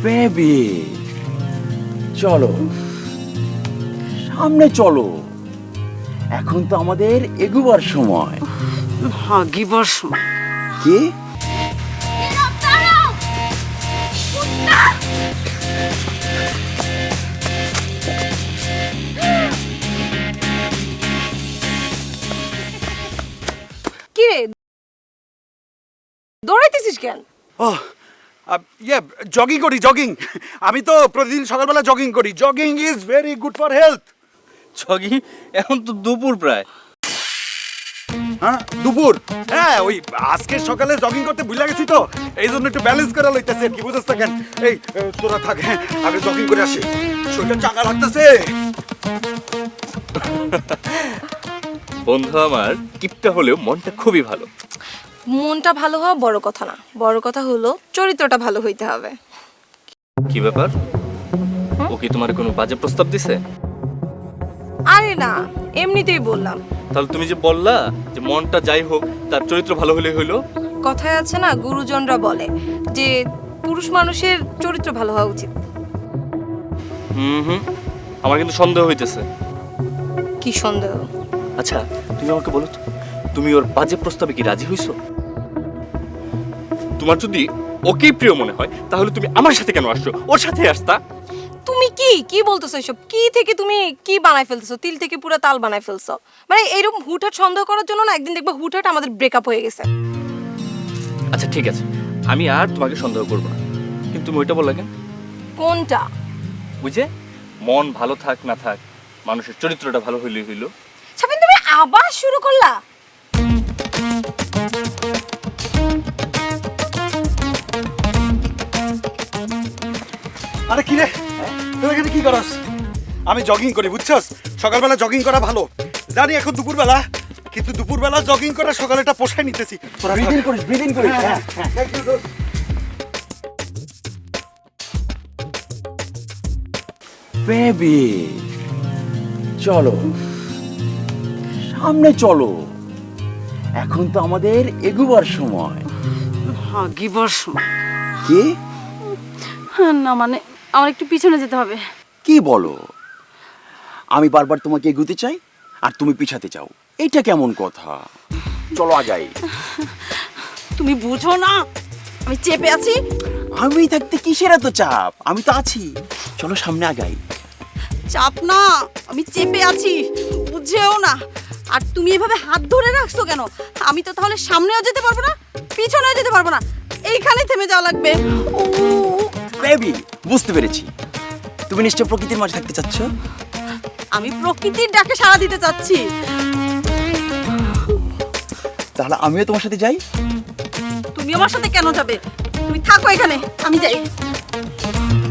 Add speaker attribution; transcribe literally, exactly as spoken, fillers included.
Speaker 1: Baby চলো সামনে চলো, এখন তো আমাদের এগুবার সময়।
Speaker 2: ভাগিবার সময়
Speaker 1: কি
Speaker 3: কি রে দৌড়াইতেছিস কেন?
Speaker 4: ও ইয়ে জগিং করি জগিং আমি তো প্রতিদিন সকালবেলা জগিং করি। Jogging is very good for health.
Speaker 5: Jogging? এখন তো দুপুর প্রায়।
Speaker 4: হ্যাঁ দুপুর, হ্যাঁ ওই আজকে সকালে জগিং করতে ভুলে গেছি তো, এই জন্য একটু ব্যালেন্স করা লইতেছে। কি বুঝছ কেন? এই এ, তোরা থাক, হ্যাঁ আগে জগিং করে আসি, শরীরটা চাঙ্গা লাগতেছে।
Speaker 5: বন্ধু আমার কিপটা হলেও মনটা খুবই ভালো।
Speaker 3: মনটা ভালো হওয়া বড় কথা না, বড় কথা হলো চরিত্রটা ভালো হইতে হবে।
Speaker 5: কি ব্যাপার? ও কি তোমার কোনো বাজে প্রস্তাব দিছে?
Speaker 3: আরে না, এমনিতেই বললাম।
Speaker 5: তাহলে তুমি যে বললা যে মনটা যাই হোক তার চরিত্র ভালো হলে হইলো।
Speaker 3: কথায় আছে না, গুরুজনরা বলে যে পুরুষ মানুষের চরিত্র ভালো হওয়া উচিত।
Speaker 5: হুম হুম আমার কিন্তু সন্দেহ হইতেছে।
Speaker 3: কি সন্দেহ?
Speaker 5: আচ্ছা তুমি আমাকে বলো তো, তুমি ওর বাজে প্রস্তাবে কি রাজি হইছো? তোমার যদি ওকেই প্রিয় মনে হয় তাহলে তুমি আমার সাথে কেন আসছো? ওর সাথে আসতা।
Speaker 3: তুমি কি কি বলতেছো এসব? কি থেকে তুমি কি বানাই ফেলতেছো? তিল থেকে পুরো তাল বানাই ফেলছো। মানে এরকম হুটহাট সন্দেহ করার জন্য না একদিন দেখবা হুটহাট আমাদের ব্রেকআপ হয়ে গেছে।
Speaker 5: আচ্ছা ঠিক আছে, আমি আর তোমাকে সন্দেহ করবো না, কিন্তু তুমি ওইটা বললে কেন?
Speaker 3: কোনটা?
Speaker 5: বুঝে মন ভালো থাক না থাক, মানুষের চরিত্রটা ভালো হইলেই হইলো।
Speaker 3: সাবিন তুমি আবার শুরু করলা?
Speaker 4: আরে কি রে, তুই এখানে কি করস? আমি জগিং করি বুঝছস, সকালবেলা জগিং করা ভালো জানি, এখন দুপুরবেলা, কিন্তু দুপুরবেলা জগিং করা সকালেটা পোষায় নিতেছি। তোরা
Speaker 1: ব্রিদিং করিস ব্রিদিং করিস হ্যাঁ বেবি চলো সামনে চলো, এখন তো আমাদের এগুবার সময়।
Speaker 2: ভাগিবার সময়
Speaker 1: কি
Speaker 2: না, মানে আমার একটু পিছনে যেতে হবে।
Speaker 1: কি বলো? আমি বারবার তোমাকে এগুতে চাই আর তুমি পিছাতে চাও, এইটা কেমন কথা? চলো আগাই।
Speaker 2: তুমি বুঝো না আমি চেপে আছি।
Speaker 1: আমি থাকতে কিসের এত চাপ? আমি তো আছি, চলো সামনে আগাই।
Speaker 2: চাপ না, আমি চেপে আছি, বুঝেও না। আর তুমি এভাবে হাত ধরে রাখছো কেন? আমি তো তাহলে সামনেও যেতে পারবো না, পিছনেও যেতে পারবো না, এইখানে থেমে যাওয়া লাগবে। ও
Speaker 1: বেবি বুঝতে পেরেছি, তুমি নিশ্চয় প্রকৃতির মাঝে থাকতে চাচ্ছ।
Speaker 2: আমি প্রকৃতির ডাকে সাড়া দিতে চাচ্ছি।
Speaker 1: তাহলে আমিও তোমার সাথে যাই।
Speaker 2: তুমি আমার সাথে কেন যাবে? তুমি থাকো এখানে, আমি যাই।